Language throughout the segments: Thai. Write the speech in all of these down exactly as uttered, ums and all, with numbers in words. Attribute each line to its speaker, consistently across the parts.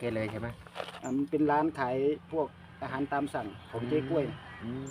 Speaker 1: กเลยใช่ไหม
Speaker 2: อ่ามันเป็นร้านขายพวกอาหารตามสั่งของเจ๊กล้วย
Speaker 1: อืม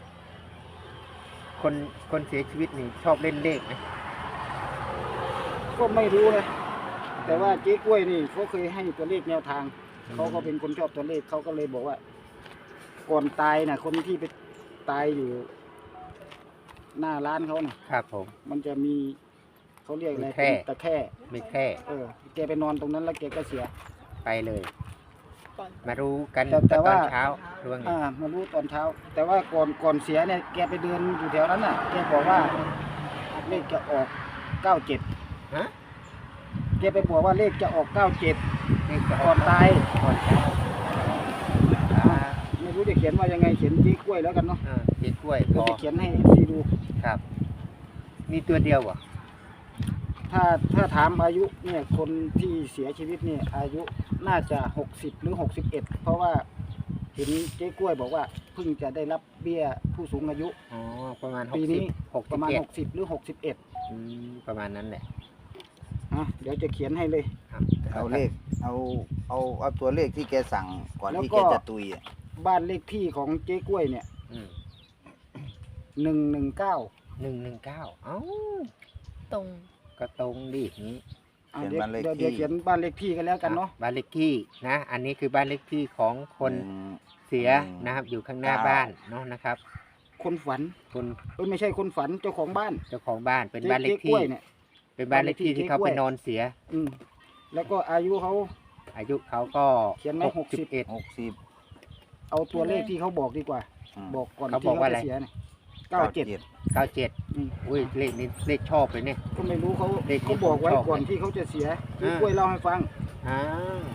Speaker 1: คนคนเสียชีวิตนี่ชอบเล่นเลขไหม
Speaker 2: ก็ไม่รู้นะแต่ว่าเจ๊กล้วยนี่เขาเคยให้ตัวเลขแนวทางเขาก็เป็นคนชอบตัวเลขเขาก็เลยบอกว่า ก่อนตายน่ะ คนที่ไปตายอยู่ หน้าร้านเขาน่ะ
Speaker 1: ครับผม
Speaker 2: มันจะมีเขาเรียกอะไร
Speaker 1: มีแคร่
Speaker 2: ตะแคร่
Speaker 1: ไม่แค่
Speaker 2: เออแกไปนอนตรงนั้นแล้วแกก็เสีย
Speaker 1: ไปเลย มารู้กัน
Speaker 2: แต่แต่
Speaker 1: ตอ
Speaker 2: ว่า
Speaker 1: นเช้าร่วงไง
Speaker 2: อ่ามารู้ตอนเช้า แต่ว่าก่อนก่อนเสียเนี่ยแกไปเดินอยู่แถวนั้นน่ะแกบอกว่าเลขจะออกเก้าเจ็ด
Speaker 1: ฮะ
Speaker 2: แกไปบอกว่าเลขจะออกเก้าเจ็ด
Speaker 1: เลขจะอ
Speaker 2: ก่
Speaker 1: อ
Speaker 2: อก นตาย
Speaker 1: ก่อนเช้าอ่า
Speaker 2: ไม่รู้จะเขียนว่ายังไงเขียนเจ๊กล้วยแล้วกันเนาะ
Speaker 1: อ่าเจ๊กล้วยพ
Speaker 2: เรา
Speaker 1: อ
Speaker 2: จะเขียนให้ซีดู
Speaker 1: ครับ มีตัวเดียวเหรอ
Speaker 2: ถ้าถ้าถามอายุเนี่ยคนที่เสียชีวิตเนี่ยอายุน่าจะหกสิบหรือหกสิบเอ็ดเพราะว่าเห็นเจ๊กล้วยบอกว่าเพิ่งจะได้รับเบี้ยผู้สูงอายุ
Speaker 1: อ๋อประมาณห
Speaker 2: ปี
Speaker 1: กสิ
Speaker 2: นี้
Speaker 1: บหก
Speaker 2: ป
Speaker 1: สิบ
Speaker 2: ระมาณ
Speaker 1: เจ็ด
Speaker 2: หกสิบหรือหกสิบเอ็ด
Speaker 1: อืมประมาณนั้นแหละ
Speaker 2: อ่ะเดี๋ยวจะเขียนให้เลย
Speaker 1: ครับ
Speaker 3: เอาเลขเอาเอาเอาตัวเลขที่แกสั่งก่อน
Speaker 2: แล้ว
Speaker 3: ที่
Speaker 2: ก็
Speaker 3: แกจะตุยอ่ะ
Speaker 2: บ้านเลขที่ของเจ๊กล้วยเนี่ย
Speaker 1: อืม
Speaker 2: หนึ่งหนึ่งเก้า
Speaker 1: หนึ่งหนึ่งเก้าเอ้า
Speaker 4: ตรง
Speaker 1: ก็ตรงดินี้
Speaker 2: เดี๋ยวเดี๋ยวเดี๋ยวเขียนบ้านเลขที่กันแล้วกันเนาะ
Speaker 1: บ้านเลขที่นะ อันนี้คือบ้านเลขที่ของคน
Speaker 3: หนึ่ง
Speaker 1: เสียนะครับ อยู่ข้างหน้า
Speaker 3: เก้า
Speaker 1: บ้านเนาะนะครับ
Speaker 2: คนฝัน
Speaker 1: คน
Speaker 2: เอ้ยไม่ใช่คนฝันเจ้าของบ้าน
Speaker 1: เจ้าของบ้านเป็น
Speaker 2: จ๊
Speaker 1: บ้านเลข
Speaker 2: จ๊ก
Speaker 1: ที่
Speaker 2: ล้วยเนี่ย
Speaker 1: เป็นบ้านเลขที่ที่เขา
Speaker 2: บ้านเลขที่
Speaker 1: ไป
Speaker 2: เจ๊กล้วย
Speaker 1: นอนเสีย
Speaker 2: อืมแล้วก็อายุเขา
Speaker 1: อายุเขาก็
Speaker 2: เขียนไว้หกสิบ
Speaker 1: เอ็ด
Speaker 3: หกสิบ
Speaker 2: เอาตัวเลขที่เขาบอกดีกว่า
Speaker 3: อืม
Speaker 2: บอกก่อน
Speaker 1: เขา
Speaker 2: ที่
Speaker 1: บอก
Speaker 2: เขา
Speaker 1: ว่าอะไร
Speaker 2: จะเสียเนี่ยเก้าเจ็ด
Speaker 1: เก้าเจ็ดอุ้ยเลขนี้เลขชอบเลยเนี่ย
Speaker 2: ก็ไม่รู้เขา
Speaker 1: เลขนี้
Speaker 2: เขาบอกไว้
Speaker 1: ผมชอบ
Speaker 2: ก่อนที่เขาจะเสีย
Speaker 1: อ่า
Speaker 2: พี่กล้วยเล่าให้ฟัง
Speaker 1: อ้าว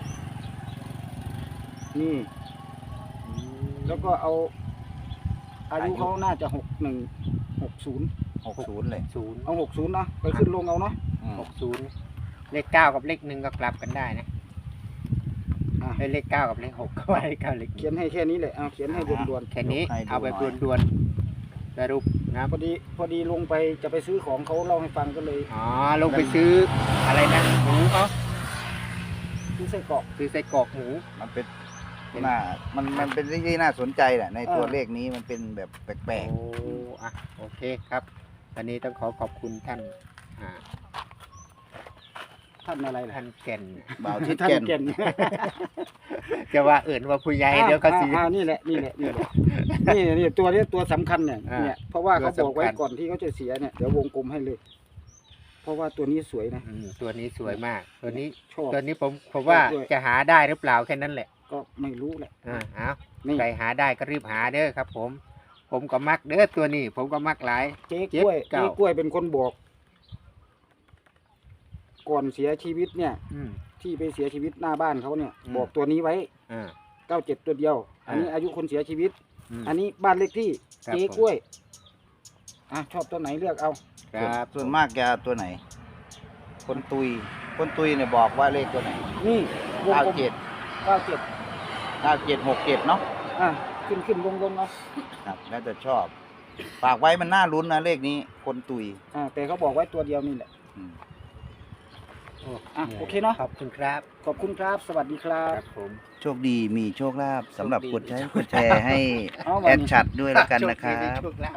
Speaker 2: นี่
Speaker 1: อืม
Speaker 2: แล้วก็เอา อายุเขาน่าจะหกหนึ่งหกศูนย์
Speaker 3: หกศูนย์เลย
Speaker 1: ศูนย์
Speaker 2: เอาหกศูนย์เนาะไปขึ้นลงเอาเนาะ
Speaker 3: อืม
Speaker 1: หกศูนย์เลขเก้ากับเลขหนึ่งก็กลับกันได้นะ
Speaker 2: อ่ะ
Speaker 1: เอ้ยเลขเก้ากับเลขหกก็ว่าเลขเก้าเลข
Speaker 2: เขียนให้แค่นี้เลยเอาเขียนให้ด่วน
Speaker 1: แค่นี้เอาแบบด่วนๆสรุปนะ
Speaker 2: ๆพอดีพอดีลงไปจะไปซื้อของเขาเล่าให้ฟังก็เลย
Speaker 1: อ๋อลงไปซื้ออะไรนะหมูเขา
Speaker 2: ซื้อไส้กรอก
Speaker 1: ซื้อไส้กรอกหมู
Speaker 3: มันเป็นน่ามันมันเป็นเรื่องที่น่าสนใจแหละในตัวเลขนี้มันเป็นแบบแปลก
Speaker 1: โอ้อะโอเคครับวันนี้ต้องขอขอบคุณท่านอ่า
Speaker 2: ท่านอะไรล่ะ
Speaker 1: ท่านแก่น
Speaker 3: ๆบ่าวทิศ
Speaker 2: ท่าน
Speaker 3: แก่น
Speaker 2: เก่น
Speaker 1: จะว่าเอื่นว่าผู้ใหญ่เดี๋ยวเขาสิ
Speaker 2: อ่าอ่านี่แหละนี่แหละนี่แหละนี่นี่ตัวนี้ตัวสำคัญเนี่ย
Speaker 1: อ่า
Speaker 2: เนี่ยเพราะว่าเขา
Speaker 1: ตัว
Speaker 2: บอกไว้
Speaker 1: สำคัญ
Speaker 2: ก่อนที่เขาจะเสียเนี่ยเดี๋ยววงกลมให้เลย เพราะว่าตัวนี้สวยนะ
Speaker 1: อืมตัวนี้สวยมาก ตัวนี้
Speaker 2: ชอบ
Speaker 1: ตัวนี้ผมผมว่า
Speaker 2: ชอบด้วย
Speaker 1: จะหาได้หรือเปล่าแค่นั้นแหละ
Speaker 2: ก็ไม่รู้แหละ
Speaker 1: อ่าเอา
Speaker 2: นี่
Speaker 1: ใครหาได้ก็รีบหาเด้อครับ ผม ผมก็มักเด้อตัวนี้ ผมก็มักหลาย
Speaker 2: เจ๊
Speaker 1: เจ๊
Speaker 2: กล้วย
Speaker 1: เก่า
Speaker 2: เจ๊กล้วยเป็นคนบอก ก่อนเสียชีวิตเนี่ย
Speaker 1: อืม
Speaker 2: ที่ไปเสียชีวิตหน้าบ้านเขาเนี่ย
Speaker 1: อืม
Speaker 2: บอกตัวนี้ไว้
Speaker 1: อ่า
Speaker 2: เก้าเจ็ดตัวเดียว อันนี้
Speaker 1: อ่า
Speaker 2: อายุคนเสียชีวิต
Speaker 1: อืม
Speaker 2: อันนี้บ้านเลขที่
Speaker 1: ครับ
Speaker 2: เจ๊กล้วย อ่ะชอบตัวไหนเลือกเอา
Speaker 1: ครับ
Speaker 3: ส่วนมากจะตัวไหน คนตุย คนตุยเนี่ยบอกว่าเลขตัวไหน
Speaker 2: นี่วง
Speaker 3: เก้าก
Speaker 2: ลม
Speaker 3: เจ็ด
Speaker 2: เก้าเจ็ด
Speaker 3: เก้าเจ็ดหกเจ็ดเนาะ
Speaker 2: อ่ะขึ้นขึ้นลงลงเอา
Speaker 3: ครับแล้วแต่ชอบ ฝากไว้มันน่าลุ้นนะเลขนี้ คนตุย
Speaker 2: อ่าแต่เขาบอกไว้ตัวเดียวนี่แหละ
Speaker 3: อืม
Speaker 1: โอ้
Speaker 2: อ่ะโอเคเนอะ
Speaker 1: ขอบคุณครับ
Speaker 2: ขอบคุณครับ สวัสดีครั
Speaker 1: ค
Speaker 2: บ
Speaker 1: รับผม
Speaker 3: โชคดีมีโชคลาภสำหรับ
Speaker 1: โชคดี
Speaker 3: กดใช้กดแชร์ให้
Speaker 2: เอา
Speaker 3: แอ
Speaker 2: วัน
Speaker 3: ด
Speaker 2: นี้
Speaker 3: ชัดด้วยแล้วกันนะครั
Speaker 1: โชดีมี
Speaker 3: บ
Speaker 1: โชลาภ